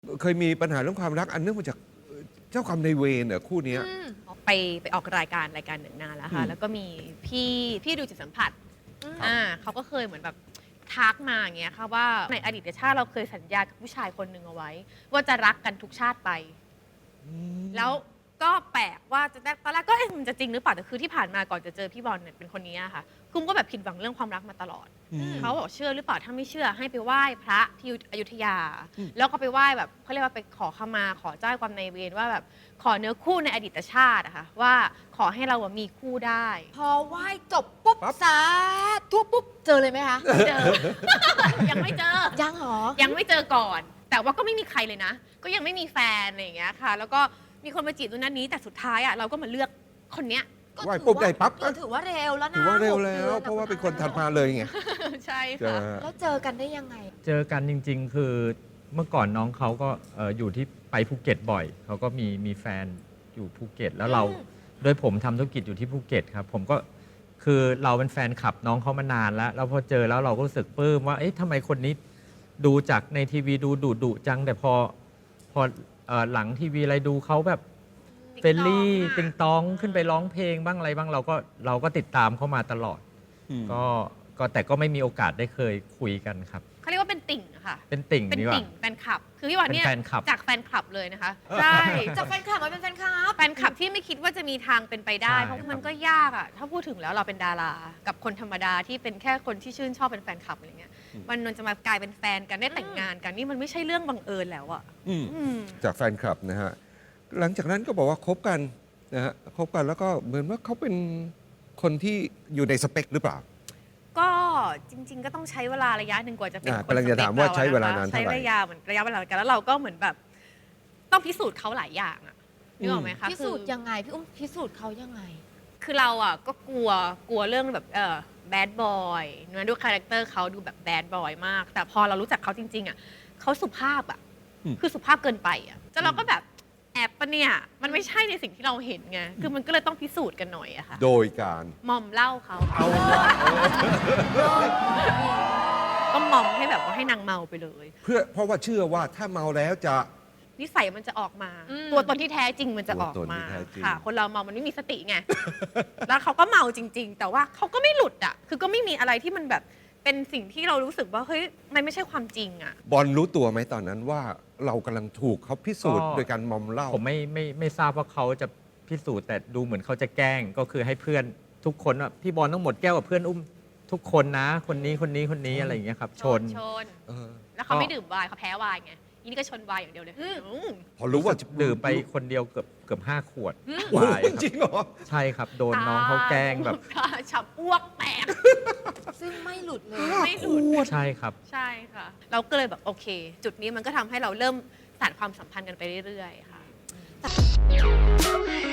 เคยมีปัญหาเรื่องความรักอันเนื่องมาจากเจ้ากรรมนายเวรเหรอคู่เนี้ยไปออกรายการหนึ่งนานแล้วค่ะแล้วก็มีพี่ดูจิตสัมผัสเขาก็เคยเหมือนแบบทักมาอย่างเงี้ยค่ะว่าในอดีตชาติเราเคยสัญญากับผู้ชายคนหนึ่งเอาไว้ ว่าจะรักกันทุกชาติไปแล้วก็แปลกว่าจะตอนแรกก็มันจะจริงหรือเปล่าแต่คือที่ผ่านมาก่อนจะเจอพี่บอลเนี่ยเป็นคนนี้ค่ะกุ้งก็แบบผิดหวังเรื่องความรักมาตลอดเขาบอกเชื่อหรือเปล่าถ้าไม่เชื่อให้ไปไหว้พระที่อยุธยาแล้วก็ไปไหว้แบบเขาเรียกว่าไปขอขมาขอเจ้ากรรมนายเวรว่าแบบขอเนื้อคู่ในอดีตชาติอะค่ะว่าขอให้เรามีคู่ได้พอไหว้จบปุ๊บสาธุปุ๊บเจอเลยไหมคะเจอ ยังไม่เจอยังหรอยังไม่เจอก่อน แต่ว่าก็ไม่มีใครเลยนะก็ยังไม่มีแฟนอะไรอย่างเงี้ยค่ะแล้วก็มีคนมาจีบตัวนั้นนี้แต่สุดท้ายอะเราก็มาเลือกคนเนี้ยไหว้ปุ๊บได้ปั๊บถือว่าเร็วแล้วนะถือว่าเร็วแล้วเพราะว่าเป็นคนถัดมาเลยไงใช่ค่ะแล้วเจอกันได้ยังไงเจอกันจริงๆคือเมื่อก่อนน้องเขาก็อยู่ที่ไปภูเก็ตบ่อยเขาก็มีแฟนอยู่ภูเก็ตแล้วเราโดยผมทำธุรกิจอยู่ที่ภูเก็ตครับผมก็คือเราเป็นแฟนคลับน้องเขามานานแล้วพอเจอแล้วเราก็รู้สึกปลื้มว่าเอ๊ะทำไมคนนี้ดูจากในทีวีดูดุจังแต่พอหลังทีวีอะไรดูเขาแบบเฟรนลี่ติงตองขึ้นไปร้องเพลงบ้างอะไรบ้างเราก็ติดตามเขามาตลอดก็แต่ก็ไม่มีโอกาสได้เคยคุยกันครับเขาเรียกว่าเป็นติ่งค่ะเป็นติ่งเป็นติ่งแฟนคลับคือพี่วันเนี่ยจากแฟนคลับเลยนะคะใช่จากแฟนคลับมาเป็นแฟนคลับที่ไม่คิดว่าจะมีทางเป็นไปได้เพราะมันก็ยากอ่ะถ้าพูดถึงแล้วเราเป็นดารากับคนธรรมดาที่เป็นแค่คนที่ชื่นชอบเป็นแฟนคลับอะไรเงี้ยวันนึงจะมากลายเป็นแฟนกันได้แต่งงานกันนี่มันไม่ใช่เรื่องบังเอิญแล้วอ่ะจากแฟนคลับนะฮะหลังจากนั้นก็บอกว่าคบกันนะฮะคบกันแล้วก็เหมือนว่าเขาเป็นคนที่อยู่ในสเปคหรือเปล่าก็จริงๆก็ต้องใช้เวลาระยะหนึ่งกว่าจะเป็นคนกำลังจะถามว่าใช้เวลานานเท่าไหร่ใช้ระยะเวลากันแล้วเราก็เหมือนแบบต้องพิสูจน์เขาหลายอย่างอะนึกออกไหมคะพิสูจน์ยังไงพี่อุ้มพิสูจน์เขายังไงคือเราอ่ะก็กลัวเรื่องแบบแบดบอยนะดูคาแรคเตอร์เขาดูแบบแบดบอยมากแต่พอเรารู้จักเขาจริงๆอ่ะเขาสุภาพอ่ะคือสุภาพเกินไปอ่ะแต่เราก็แบบแอบปะเนี่ยมันไม่ใช่ในสิ่งที่เราเห็นไงคือมันก็เลยต้องพิสูจน์กันหน่อยอะค่ะโดยการมอมเหล้าเขาก็มอมให้แบบว่าให้นางเมาไปเลยเพราะว่าเชื่อว่าถ้าเมาแล้วจะนิสัยมันจะออกมาตัวตนที่แท้จริงมันจะออกมาค่ะคนเราเมามันไม่มีสติไงแล้วเขาก็เมาจริงๆแต่ว่าเขาก็ไม่หลุดอ่ะคือก็ไม่มีอะไรที่มันแบบเป็นสิ่งที่เรารู้สึกว่าเฮ้ยมันไม่ใช่ความจริงอ่ะบอลรู้ตัวไหมตอนนั้นว่าเรากำลังถูกเขาพิสูจน์โดยการมอมเหล้าผมไม่ทราบว่าเขาจะพิสูจน์แต่ดูเหมือนเขาจะแกล้งก็คือให้เพื่อนทุกคนว่าพี่บอลต้องหมดแก้วกับเพื่อนอุ้มทุกคนนะคนนี้อะไรอย่างเงี้ยครับชนแล้วเขาไม่ดื่มไวน์เขาแพ้ไวน์ไงนี่ก็ชนไวน์อย่างเดียวเลยพอรู้ว่าดื่มไปคนเดียวเกือบ5 ขวดไวน์จริงเหรอใช่ครับโดนน้องเขาแกล้งแบบฉับอ้วกแตกซึ่งไม่หลุดเลยไม่หลุดใช่ครับใช่ค่ะเราก็เลยแบบโอเคจุดนี้มันก็ทำให้เราเริ่มสานความสัมพันธ์กันไปเรื่อยๆค่ะ